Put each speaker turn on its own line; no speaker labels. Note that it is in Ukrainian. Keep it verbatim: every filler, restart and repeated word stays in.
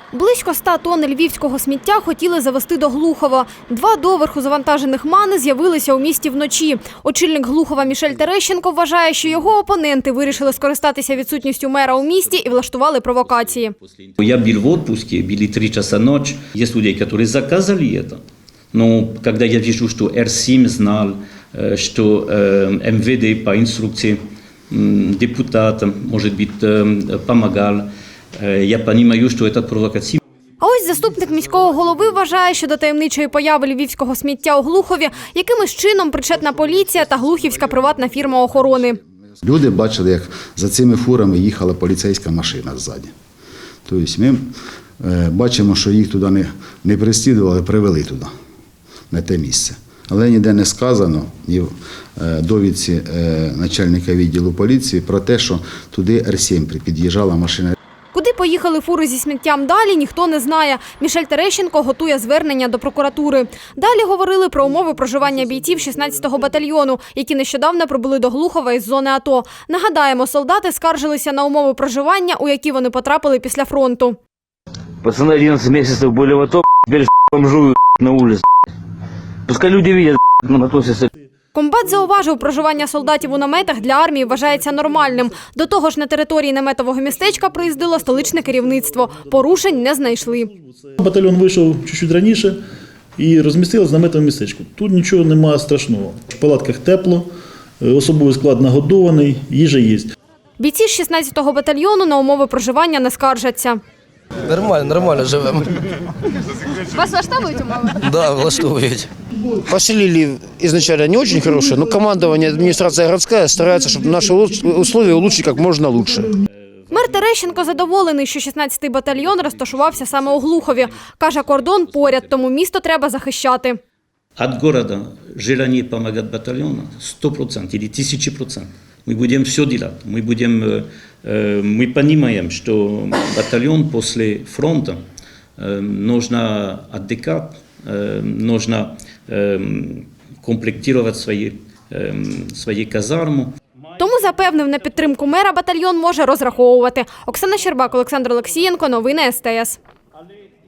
Близько ста тонн львівського сміття хотіли завезти до Глухова. Два доверху завантажених мани з'явилися у місті вночі. Очільник Глухова Мішель Терещенко вважає, що його опоненти вирішили скористатися відсутністю мера у місті і влаштували провокації.
Я був в отпуске, были три часа ночи. Есть люди, которые заказали это. Но когда я вижу, что Эр семь знал, что эм вэ дэ по инструкции депутата, может быть, помогал, я понимаю, что это провокация.
А ось заступник міського голови вважає, що до таємничої появи львівського сміття у Глухові якимось чином причетна поліція та глухівська приватна фірма охорони.
Люди бачили, як за цими фурами їхала поліцейська машина ззаді. Тобто ми бачимо, що їх туди не, не переслідували, привели туди, на те місце. Але ніде не сказано, ні в довідці начальника відділу поліції про те, що туди Ер сім під'їжджала машина.
Куди поїхали фури зі сміттям далі, ніхто не знає. Мішель Терещенко готує звернення до прокуратури. Далі говорили про умови проживання бійців шістнадцятого батальйону, які нещодавно прибули до Глухова із зони АТО. Нагадаємо, солдати скаржилися на умови проживання, у які вони потрапили після фронту.
Пацаны одиннадцать месяцев были в АТО, теперь бомжуют на улице. Пускай люди видят, на мотосе.
Комбат зауважив, проживання солдатів у наметах для армії вважається нормальним. До того ж, на території наметового містечка приїздило столичне керівництво. Порушень не знайшли.
Батальйон вийшов чуть-чуть раніше і розмістилися в наметовому містечку. Тут нічого немає страшного. В палатках тепло, особовий склад нагодований, їжа є.
Бійці з шістнадцятого батальйону на умови проживання не скаржаться.
Нормально, нормально живемо.
Вас влаштовують умови?
Да, влаштовують. Поселили изначально не очень хорошие, но командование, администрация городская старается, чтобы наши условия улучшить как можно лучше.
Мер Терещенко задоволений, що шістнадцятий батальйон розташувався саме у Глухові. Каже, кордон поряд, тому місто треба захищати.
От города желание помогать батальону сто процентов или тысячи процентов. Мы будем все делать. Мы, будем, мы понимаем, что батальон после фронта нужно отдыхать, нужно комплектировать свои, свої казарми.
Тому запевнив, на підтримку мера батальйон може розраховувати. Оксана Щербак, Олександр Олексієнко. Новини ес те ес.